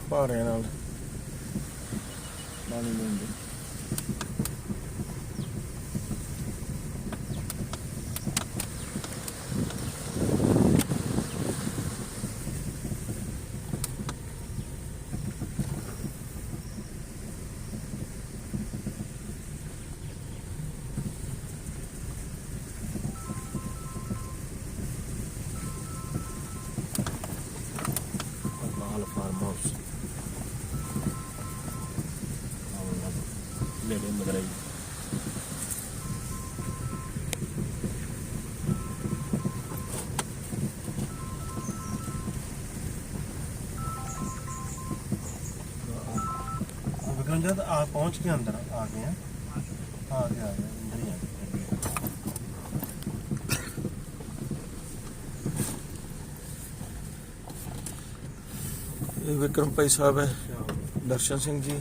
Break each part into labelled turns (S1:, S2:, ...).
S1: ਭਾਰਿਆਂ ਨਾਲ ਪਾਣੀ ਲੈਂਦੇ। फार्म हाउस मेरे मदरई विक्रम जब आ पहुंच के अंदर आ गए अंदर ही आ गए। विक्रम भाई साहब है, दर्शन सिंह जी।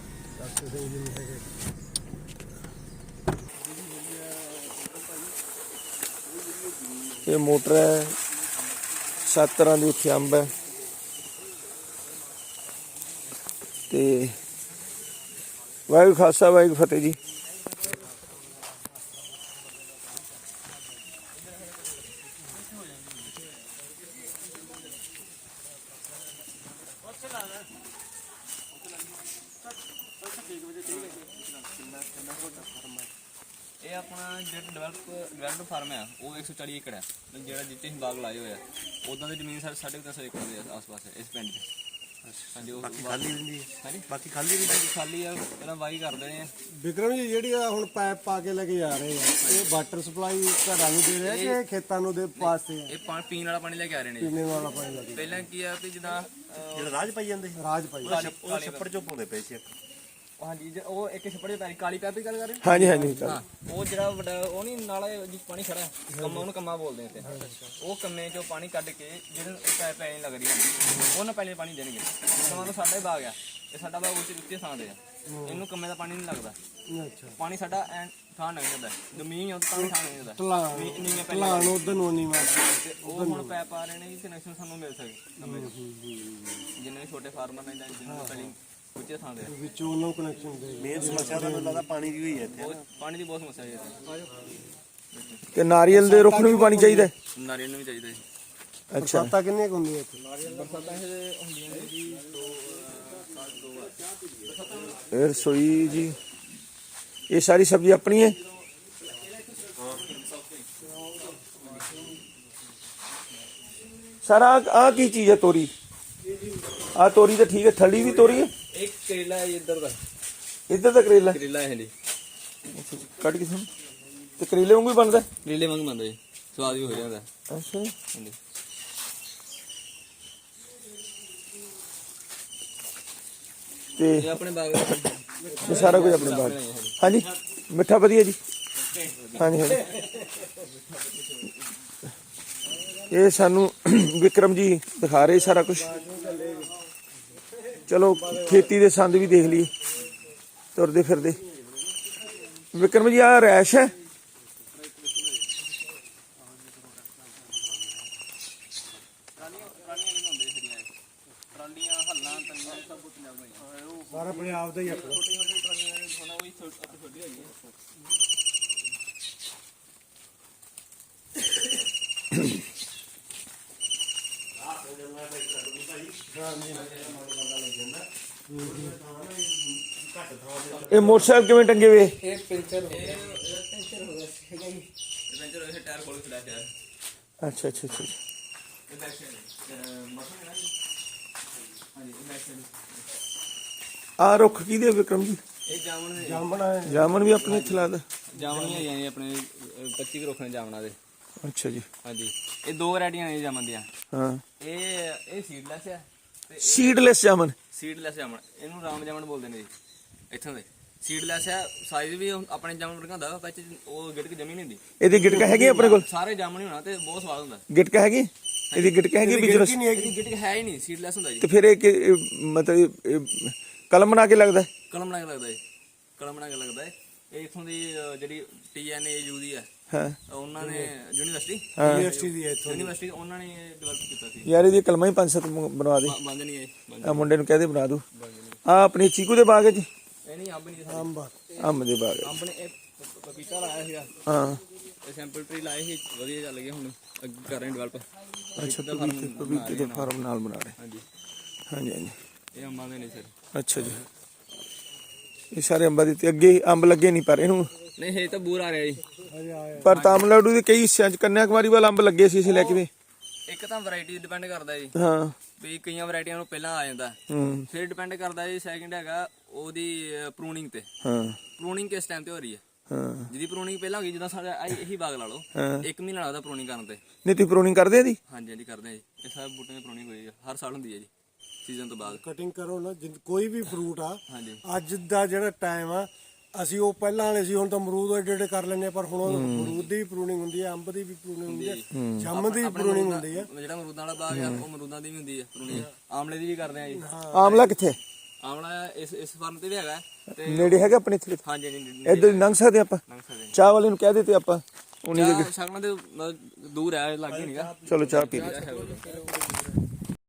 S1: ये मोटर है, 7 तरह की उत्थे अंब है ते वाहिगुरू खालसा वाहिगुरू फतेह जी।
S2: ਇਹ ਆਪਣਾ ਜਿਹੜਾ ਡਿਵੈਲਪ ਫਾਰਮ ਹੈ ਉਹ 140 ਏਕੜ ਹੈ, ਜਿਹੜਾ ਜਿੱਤੇ ਅਸੀਂ ਬਾਗ ਲਾਏ ਹੋਏ ਆ ਉਦਾਂ ਦੀ ਜ਼ਮੀਨ 3.5 ਏਕੜ ਦੇ ਆਸ-ਪਾਸ ਹੈ ਇਸ ਪਿੰਡ 'ਚ। ਹਾਂਜੀ, ਉਹ ਬਾਕੀ ਖਾਲੀ ਰਹਿੰਦੀ ਹੈ। ਹਾਂਜੀ, ਬਾਕੀ ਖਾਲੀ ਆ, ਪਹਿਲਾਂ ਵਾਹੀ ਕਰਦੇ ਨੇ।
S3: ਵਿਕਰਮ ਜੀ ਜਿਹੜੀ ਆ ਹੁਣ ਪਾਈਪ ਪਾ ਕੇ ਲੈ ਕੇ ਜਾ ਰਹੇ ਆ, ਇਹ ਵਾਟਰ ਸਪਲਾਈ ਘਰਾਂ ਨੂੰ ਦੇ ਰਹੇ ਆ ਕਿ ਖੇਤਾਂ ਨੂੰ ਦੇ ਪਾਸੇ ਆ?
S2: ਇਹ ਪੀਣ ਵਾਲਾ ਪਾਣੀ ਲੈ ਕੇ ਆ ਰਹੇ ਨੇ।
S3: ਪੀਣੇ ਵਾਲਾ ਪਾਣੀ ਲੈ ਕੇ
S2: ਪਹਿਲਾਂ ਕੀ ਆ ਕਿ ਜਿੱਦਾਂ
S1: ਜਿਹੜਾ ਰਾਜ ਪਾਈ ਜਾਂਦੇ
S3: ਰਾਜ ਪਾਈ
S1: ਉਹ ਛੱਪੜ ਚੋਂ ਪਾਉਂਦੇ ਪਏ ਸੀ।
S2: ਹਾਂਜੀ, ਉਹ ਇੱਕ ਛੱਪੜ ਦੇ ਪੈਰੀ ਕਾਲੀ ਪੈਪ ਦੀ ਗੱਲ ਕਰ ਰਹੇ
S1: ਹਾਂਜੀ ਹਾਂਜੀ
S2: ਹਾਂ। ਉਹ ਜਿਹੜਾ ਵੱਡਾ ਉਹ ਨਹੀਂ ਨਾਲਾ ਜਿਸ ਪਾਣੀ ਖੜਾ ਕੰਮਾ, ਉਹਨੂੰ ਕੰਮਾ ਬੋਲਦੇ ਇੱਥੇ। ਉਹ ਕੰਮੇ ਚੋਂ ਪਾਣੀ ਕੱਢ ਕੇ ਜਿਹੜੇ ਪੈਪ ਪੈ ਨਹੀਂ ਲੱਗ ਰਹੀ ਉਹਨਾਂ ਪਹਿਲੇ ਪਾਣੀ ਦੇਣਗੇ। ਸਮਾਂ ਤਾਂ ਸਾਡਾ ਹੀ ਬਾਗ ਆ, ਇਹ ਸਾਡਾ ਬਾਗ ਉੱਚੇ ਥਾਂ ਤੇ ਆ, ਇਹਨੂੰ ਕੰਮੇ ਦਾ ਪਾਣੀ ਨਹੀਂ ਲੱਗਦਾ।
S3: ਅੱਛਾ,
S2: ਪਾਣੀ ਸਾਡਾ ਥਾਂ ਲੰਘ ਜਾਂਦਾ, ਜ਼ਮੀਨ ਤਾਂ ਥਾਂ ਲੰਘ ਜਾਂਦਾ।
S3: ਢਲਾਣ ਉਧਰ ਨੂੰ ਨਹੀਂ ਮਾਰਦੇ।
S2: ਉਹ ਹੁਣ ਪੈਪ ਆ ਰਹੇ ਨੇ, ਕਨੈਕਸ਼ਨ ਸਾਨੂੰ ਮਿਲ ਸਕੇ ਕੰਮੇ ਚ। ਜਿੰਨੇ ਵੀ ਛੋਟੇ ਫਾਰਮਰ ਨੇ ਜਾਂ ਜਿਹਨੂੰ ਪਹਿਲੀ ਉੱਚੇ ਥਾਂ ਤੇ
S3: ਵਿੱਚੋਂ ਉਹਨਾਂ ਕਨੈਕਸ਼ਨ ਦੇ।
S1: ਮੇਨ ਸਮੱਸਿਆ ਤਾਂ ਮੈਨੂੰ ਲੱਗਦਾ ਪਾਣੀ ਦੀ ਹੋਈ ਹੈ ਇੱਥੇ।
S2: ਪਾਣੀ ਦੀ ਬਹੁਤ ਸਮੱਸਿਆ ਹੈ
S1: ਤੇ ਨਾਰੀਅਲ ਦੇ ਰੁੱਖ ਨੂੰ ਵੀ ਪਾਣੀ ਚਾਹੀਦਾ।
S2: ਨਾਰੀਅਲ ਨੂੰ ਵੀ ਚਾਹੀਦਾ ਜੀ।
S1: ਅੱਛਾ,
S3: ਬਰਸਾਤਾਂ ਕਿੰਨੀਆਂ ਕੁ ਹੁੰਦੀਆਂ ਇੱਥੇ?
S2: ਬਰਸਾਤਾਂ ਇਹ ਹੁੰਦੀਆਂ ਨੇ ਜੀ
S1: ਇਹ ਰਸੋਈ ਜੀ, ਇਹ ਸਾਰੀ ਸਬਜ਼ੀ ਆਪਣੀ ਹੈ। ਸਾਰਾ ਆ ਕੀ ਚੀਜ਼ ਹੈ? ਤੋਰੀ। ਆ ਤੋਰੀ ਤਾਂ ਠੀਕ ਹੈ, ਥੱਲੀ ਵੀ ਤੋਰੀ ਹੈ।
S2: ਇੱਕ ਕਰੇਲਾ ਹੈ ਇੱਧਰ ਦਾ
S1: ਕਰੇਲਾ
S2: ਹੈ ਜੀ।
S1: ਕੱਢ ਕੇ ਸੁਣ, ਤੇ ਕਰੇਲੇ ਵਾਂਗੂ ਹੀ ਬਣਦਾ।
S2: ਕਰੇਲੇ ਵਾਂਗ ਬਣਦਾ ਜੀ, ਸਵਾਦ ਵੀ ਹੋ ਜਾਂਦਾ।
S1: ਅੱਛਾ,
S2: ਹਾਂਜੀ,
S1: ਤੇ
S2: ਇਹ ਆਪਣੇ ਬਾਗ
S1: ਇਹ ਸਾਰਾ ਕੁਝ ਆਪਣੇ ਬਾਗ। ਹਾਂਜੀ, ਮਿੱਠਾ ਵਧੀਆ ਜੀ। ਹਾਂਜੀ ਹਾਂਜੀ, ਇਹ ਸਾਨੂੰ ਵਿਕਰਮ ਜੀ ਦਿਖਾ ਰਹੇ ਸਾਰਾ ਕੁਝ। ਚਲੋ ਖੇਤੀ ਦੇ ਸੰਦ ਵੀ ਦੇਖ ਲਈ ਤੁਰਦੇ ਫਿਰਦੇ। ਵਿਕਰਮ ਜੀ ਆ ਰੈਸ਼ ਹੈ।
S3: ਸਾਰਾ ਪੰਜਾਬ ਦਾ ਹੀ ਆਪਣਾ।
S1: ਇਹ ਮੋਟਰਸਾਈਕਲ ਕਿਵੇਂ ਟੰਗੇ ਵੇ?
S2: ਇਹ ਪੈਂਚਰ ਹੋ ਗਿਆ ਸੀਗਾ ਜੀ। ਪੈਂਚਰ ਹੋਇਆ, ਟਾਇਰ ਖੋਲ ਕੇ ਚਲਾ ਗਿਆ।
S1: ਅੱਛਾ ਅੱਛਾ ਅੱਛਾ,
S2: ਇਹ ਬੈਕ ਸਾਈਡ ਮਸ਼ੀਨ ਹੈ ਜੀ। ਹਾਂਜੀ, ਇਹ ਬੈਕ ਸਾਈਡ।
S1: ਆ ਰੁੱਖ ਕਿਹਦੇ ਵਿਕਰਮ ਜੀ?
S2: ਇਹ ਜਾਮਣ ਦੇ।
S1: ਜਾਮਨ ਵੀ ਆਪਣੇ ਇੱਥੇ ਲੱਗਦਾ।
S2: ਜਾਮਣ ਨਹੀਂ ਆਈਆਂ ਜੀ ਆਪਣੇ 25 ਰੁੱਖ ਨੇ ਜਾਮਣਾਂ ਦੇ।
S1: ਅੱਛਾ ਜੀ।
S2: ਹਾਂਜੀ, ਇਹ ਦੋ ਵੈਰਾਈਟੀਆਂ ਨੇ ਜਾਮਣ ਦੀਆਂ।
S1: ਹਾਂ,
S2: ਇਹ ਸੀਡਲੈਸ ਹੈ ਤੇ
S1: ਸੀਡਲੈਸ ਜਾਮਨ।
S2: ਸੀਡਲੈਸ ਜਾਮਣ, ਇਹਨੂੰ ਰਾਮ ਜਾਮਣ ਬੋਲਦੇ ਨੇ ਜੀ ਇੱਥੋਂ ਦੇ। ਸੀਡਲੈਸ ਹੈ, ਸਾਈਜ਼ ਵੀ ਆਪਣੇ ਜਾਮਣ ਵਰਗਾ ਹੁੰਦਾ, ਵਿੱਚ ਉਹ ਗਿਟਕ ਜਮੀ ਨਹੀਂ ਹੁੰਦੀ।
S1: ਇਹਦੀ ਗਿਟਕਾ ਹੈਗੀ ਆਪਣੇ ਕੋਲ?
S2: ਸਾਰੇ ਜਾਮਣ ਹੀ ਹੋਣਾ ਤੇ ਬਹੁਤ ਸਵਾਦ ਹੁੰਦਾ।
S1: ਗਿਟਕਾ ਹੈਗੀ? ਇਹਦੀ ਗਿਟਕਾ ਹੈਗੀ? ਬਿਜਨਸ
S2: ਇਹਦੀ ਗਿਟਕ ਹੈ ਹੀ ਨਹੀਂ, ਸੀਡਲੈਸ ਹੁੰਦਾ ਜੀ।
S1: ਤੇ ਫਿਰ ਇਹ ਮਤਲਬ ਕਲਮ ਬਣਾ ਕੇ ਲੱਗਦਾ?
S2: ਕਲਮ ਬਣਾ ਕੇ ਲੱਗਦਾ ਜੀ, ਕਲਮ ਬਣਾ ਕੇ ਲੱਗਦਾ ਹੈ। ਇਹ ਇਥੋਂ ਦੀ ਜਿਹੜੀ TNAU ਦੀ ਹੈ,
S1: ਹਾਂ
S2: ਉਹਨਾਂ ਨੇ ਯੂਨੀਵਰਸਿਟੀ
S3: ਯੂਨੀਵਰਸਿਟੀ ਦੀ ਹੈ ਇੱਥੋਂ
S2: ਯੂਨੀਵਰਸਿਟੀ ਉਹਨਾਂ ਨੇ ਡਿਵੈਲਪ ਕੀਤਾ ਸੀ।
S1: ਯਾਰ ਇਹਦੀ ਕਲਮਾਂ ਹੀ 5-7 ਬਣਵਾ ਦੇ।
S2: ਬੰਦ ਨਹੀਂ ਹੈ
S1: ਆ ਮੁੰਡੇ ਨੂੰ ਕਹਦੇ ਬਣਾ ਦੂ। ਆ ਆਪਣੀ ਚੀਕੂ ਦੇ ਬਾਗ 'ਚ
S2: ਇਹ ਨਹੀਂ ਅੰਬ ਨਹੀਂ
S3: ਅੰਬ
S1: ਅੰਬ ਦੇ ਬਾਗ 'ਚ।
S2: ਅੰਬ ਨੇ ਇਹ ਪਪੀਤਾ ਲਾਇਆ ਸੀਗਾ,
S1: ਹਾਂ
S2: ਇਹ ਸੈਂਪਲ ਟਰੀ ਲਾਏ ਸੀ, ਵਧੀਆ ਚੱਲ ਗਿਆ, ਹੁਣ ਅੱਗੇ ਕਰ ਰਹੇ ਡਿਵੈਲਪ।
S1: ਅੱਛਾ ਪਪੀਤੇ ਦੇ ਫਾਰਮ ਨਾਲ ਬਣਾ ਰਹੇ।
S2: ਹਾਂਜੀ
S1: ਹਾਂਜੀ ਹਾਂਜੀ
S2: ਇਹ ਅੰਬਾਂ ਦੇ ਨੇ ਸਰ।
S1: ਅੱਛਾ ਜੀ ਇਹ ਸਾਰੇ ਅੰਬਾਂ ਦੇ ਤੇ ਅੱਗੇ ਅੰਬ ਲੱਗੇ ਨਹੀਂ ਪਰ ਇਹਨੂੰ
S2: ਨਹੀਂ ਇਹ ਤਾਂ ਬੂਰ ਆ ਰਿਹਾ ਜੀ।
S1: ਪਰ ਤਾਮਿਲਨਾਡੂ ਦੇ ਕਈ ਹਿੱਸਿਆਂ 'ਚ ਕੰਨਿਆ ਕੁਮਾਰੀ ਵਾਲਾ ਅੰਬ ਲੱਗੇ ਸੀ ਅਸੀਂ ਲੈ ਕੇ ਵੀ।
S2: ਇੱਕ ਤਾਂ ਵੈਰਾਈਟੀ ਡਿਪੈਂਡ ਕਰਦਾ ਜੀ,
S1: ਹਾਂ
S2: ਵੀ ਕਈਆਂ ਵੈਰਾਈਟੀਆਂ ਨੂੰ ਪਹਿਲਾਂ ਆ ਜਾਂਦਾ,
S1: ਹੂੰ
S2: ਫਿਰ ਡਿਪੈਂਡ ਕਰਦਾ ਜੀ। ਸੈਕਿੰਡ ਹੈਗਾ ਉਹਦੀ ਪ੍ਰੂਨਿੰਗ ਤੇ।
S1: ਹਾਂ
S2: ਪ੍ਰੂਨਿੰਗ ਕਿਸ ਟਾਈਮ ਤੇ ਹੋ ਰਹੀ ਹੈ?
S1: ਹਾਂ
S2: ਜਿਹਦੀ ਪ੍ਰੂਨਿੰਗ ਪਹਿਲਾਂ ਹੋ ਗਈ, ਜਿੱਦਾਂ ਸਾਡਾ ਇਹੀ ਬਾਗ ਲਾ ਲਓ,
S1: ਹਾਂ
S2: 1 ਮਹੀਨਾ ਲੱਗਦਾ ਪ੍ਰੂਨਿੰਗ ਕਰਨ ਤੇ।
S1: ਨਹੀਂ ਤੁਸੀਂ ਪ੍ਰੂਨਿੰਗ ਕਰਦੇ ਆ ਦੀ?
S2: ਹਾਂਜੀ ਹਾਂਜੀ ਕਰਦੇ ਆ ਜੀ, ਇਹ ਸਾਰੇ ਬੂਟਿਆਂ ਦੀ ਪ੍ਰੂਨਿੰਗ ਹੋਈ ਹੈ, ਹਰ ਸਾਲ ਹੁੰਦੀ ਹੈ ਜੀ ਸੀਜ਼ਨ ਤੋਂ ਬਾਅਦ।
S3: ਕਟਿੰਗ ਕਰੋ ਨਾ, ਕੋਈ ਵੀ ਫਰੂਟ ਆ
S2: ਹਾਂਜੀ
S3: ਅੱਜ ਦਾ ਜਿਹੜਾ ਟਾਈਮ ਆ, ਅਸੀਂ ਉਹ ਪਹਿਲਾਂ ਵਾਲੇ ਸੀ, ਹੁਣ ਤਾਂ ਅਮਰੂਦ ਏਡੇ ਏਡੇ ਕਰ ਲੈਂਦੇ ਆ, ਪਰ ਹੁਣ ਅਮਰੂਦ ਦੀ ਵੀ ਪ੍ਰੂਨਿੰਗ ਹੁੰਦੀ ਹੈ, ਅੰਬ ਦੀ ਵੀ ਪ੍ਰੂਨਿੰਗ ਹੁੰਦੀ ਹੈ, ਜਾਮ ਦੀ ਪ੍ਰੂਨਿੰਗ ਹੁੰਦੀ ਹੈ।
S2: ਜਿਹੜਾ ਅਮਰੂਦਾਂ ਵਾਲਾ ਬਾਗ ਆ ਉਹ ਅਮਰੂਦਾਂ ਦੀ ਵੀ ਹੁੰਦੀ ਹੈ ਪ੍ਰੂਨਿੰਗ, ਆਮਲੇ ਦੀ ਵੀ ਕਰਦੇ ਆ ਜੀ।
S1: ਆਮਲਾ ਕਿੱਥੇ?
S2: ਆਮਲਾ ਇਸ ਫਾਰਮ ਤੇ ਵੀ ਹੈਗਾ ਤੇ
S1: ਨੇੜੇ ਹੈਗਾ ਆਪਣੇ ਇੱਥੇ?
S2: ਹਾਂਜੀ ਹਾਂਜੀ
S1: ਇੱਧਰ ਲੰਘ ਸਕਦੇ ਆਪਾਂ?
S2: ਲੰਘ ਸਕਦੇ
S1: ਚਾਹ ਵਾਲੇ ਨੂੰ ਕਹਿ ਦੇ ਤੇ ਆਪਾਂ ਉਨੀ
S2: ਚਾਹ ਸ਼ਕਲਾਂ ਦੇ ਦੂਰ ਹੈ, ਲੱਗੇ ਨਹੀਂਗਾ।
S1: ਚਲੋ ਚਾਹ ਪੀ ਲਓ।